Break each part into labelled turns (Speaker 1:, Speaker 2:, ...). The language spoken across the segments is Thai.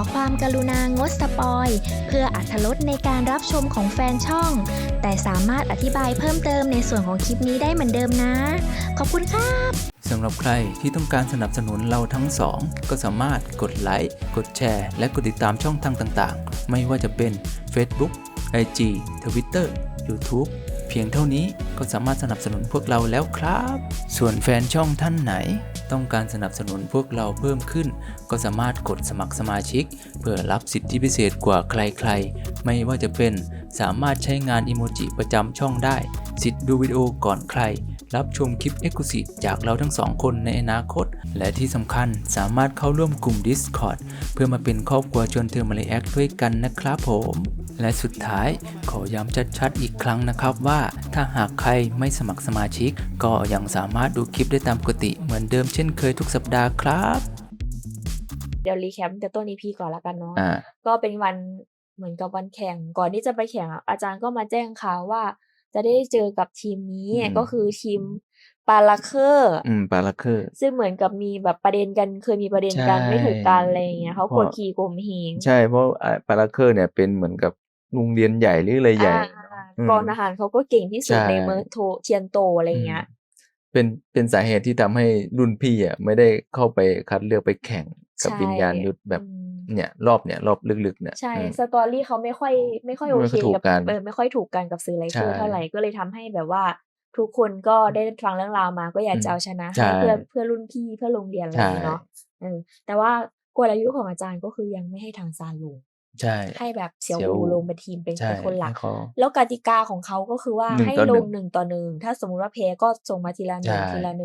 Speaker 1: ความกรุณางดสปอยเพื่ออรรถรสในการรับชมของแฟนช่องแต่สามารถอธิบายเพิ่มเติมในส่วนของคลิปนี้ได้เหมือนเดิมนะขอบคุณค่ะ
Speaker 2: สำหรับใครที่ต้องการสนับสนุนเราทั้งสองก็สามารถกดไลค์กดแชร์และกดติดตามช่องทางต่างๆไม่ว่าจะเป็น Facebook IG Twitter YouTube เพียงเท่านี้ก็สามารถสนับสนุนพวกเราแล้วครับส่วนแฟนช่องท่านไหนต้องการสนับสนุนพวกเราเพิ่มขึ้นก็สามารถกดสมัครสมาชิกเพื่อรับสิทธิพิเศษกว่าใครๆไม่ว่าจะเป็นสามารถใช้งานอิโมจิประจำช่องได้สิทธิ์ดูวิดีโอก่อนใครรับชมคลิป Exclusive จากเราทั้งสองคนในอนาคตและที่สำคัญสามารถเข้าร่วมกลุ่ม Discord เพื่อมาเป็นครอบครัวชวนเธอมาเลแอคด้วยกันนะครับผมและสุดท้ายขอย้ำชัดๆอีกครั้งนะครับว่าถ้าหากใครไม่สมัครสมาชิกก็ยังสามารถดูคลิปได้ตามปกติเหมือนเดิมเช่นเคยทุกสัปดาห์ครับ
Speaker 3: เดี๋ยวรีแคปแต่ต้น EP ก่อนละกันเนาะ
Speaker 2: อ่า
Speaker 3: ก็เป็นวันเหมือนกับวันแข่งก่อนที่จะไปแข่งอาจารย์ก็มาแจ้งข่าวว่าจะได้เจอกับทีมนี้ก็คือทีมปาลัคเคอร์
Speaker 2: ปาลัคเคอร์
Speaker 3: ซึ่งเหมือนกับมีแบบประเด็นกันเคยมีประเด็นกันไม่ถูกกันอะไรอย่างเงี้ยเขากดขี่ข่มเหง
Speaker 2: ใช่เพราะปาลัคเคอร์เนี่ยเป็นเหมือนกับโรงเรียนใหญ่หรืออะไรใหญ่
Speaker 3: กองทหารเขาก็เก่งที่สุด
Speaker 2: ใช่
Speaker 3: ในเมืองเทียนโตอะไรเงี้ย
Speaker 2: เป็นสาเหตุที่ทำให้รุ่นพี่อ่ะไม่ได้เข้าไปคัดเลือกไปแข่งกับ
Speaker 3: ใช่
Speaker 2: วิญญาณยุทธแบบ เนี่ยรอบลึกๆเนี่ย
Speaker 3: ใช่
Speaker 2: อืม
Speaker 3: สตอรี่เขาไม่ค่อยโอ
Speaker 2: ไม่
Speaker 3: เค
Speaker 2: ค่อยถูก
Speaker 3: กับ
Speaker 2: กัน
Speaker 3: ไม่ค่อยถูกกันกับสื่อไลเคอร์
Speaker 2: ใช่
Speaker 3: เท่าไหร่ก็เลยทำให้แบบว่า ทุกคนก็ได้ฟังเรื่องราวมาก็อยากจะเอาชนะ
Speaker 2: ใช่
Speaker 3: ให้เพื่อรุ่นพี่เพื่อโรงเรียนอะไรอย่างงี้เนาะแต่ว่ากลยุทธ์ของอาจารย์ก็คือยังไม่ให้ทางซานลง
Speaker 2: ใช่
Speaker 3: ให้แบบเสี่ยว
Speaker 2: เสี่ยวอู่
Speaker 3: อูลงเป็นทีมเป็น
Speaker 2: ใช่
Speaker 3: คนหลัก
Speaker 2: ให้เขา
Speaker 3: แล้วกติกาของเขาก็คือว่า
Speaker 2: 1
Speaker 3: ให้
Speaker 2: ต่อ
Speaker 3: ล
Speaker 2: 1
Speaker 3: ง1 ต่อ 1ถ้าสมมุติว่าแพ้ก็ส่งมาทีละ
Speaker 2: ใช่
Speaker 3: 1ทีละ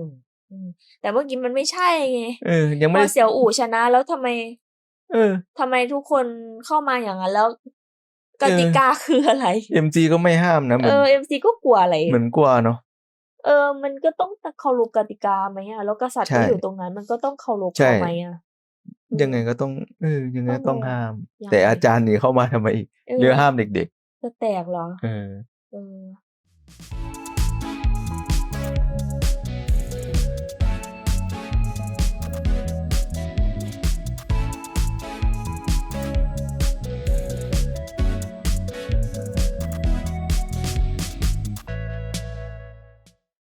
Speaker 3: 1แต่เมื่อกี้มันไม่ใช่ไง
Speaker 2: ยัง
Speaker 3: พ
Speaker 2: ไม่
Speaker 3: อ
Speaker 2: ได้
Speaker 3: เสี่ยวอู่ชนะแล้วทำไม
Speaker 2: เออ
Speaker 3: ทำไมทุกคนเข้ามาอย่างนั้นแล้วกติกาคืออะไร
Speaker 2: MC ก็ไม่ห้ามนะเหมือน
Speaker 3: MC ก็กลัวอะไร
Speaker 2: เหมือนกลัวเนาะ
Speaker 3: มันก็ต้องเคารพกติกาไหมอะแล้วกษัตริย์
Speaker 2: ใช่
Speaker 3: ก็อยู่ตรงนั้นมันก็ต้องเคารพ
Speaker 2: ใช่
Speaker 3: เขาไหมอะ
Speaker 2: ยังไงก็ต้องยังไงก็ต้องห้าม
Speaker 3: ยัง
Speaker 2: แต่
Speaker 3: ไง
Speaker 2: อาจารย์นี่เข้ามาทำไมอีกหรือห้ามเด็ก
Speaker 3: จะแตกเหรอ
Speaker 2: ๆ
Speaker 3: เออ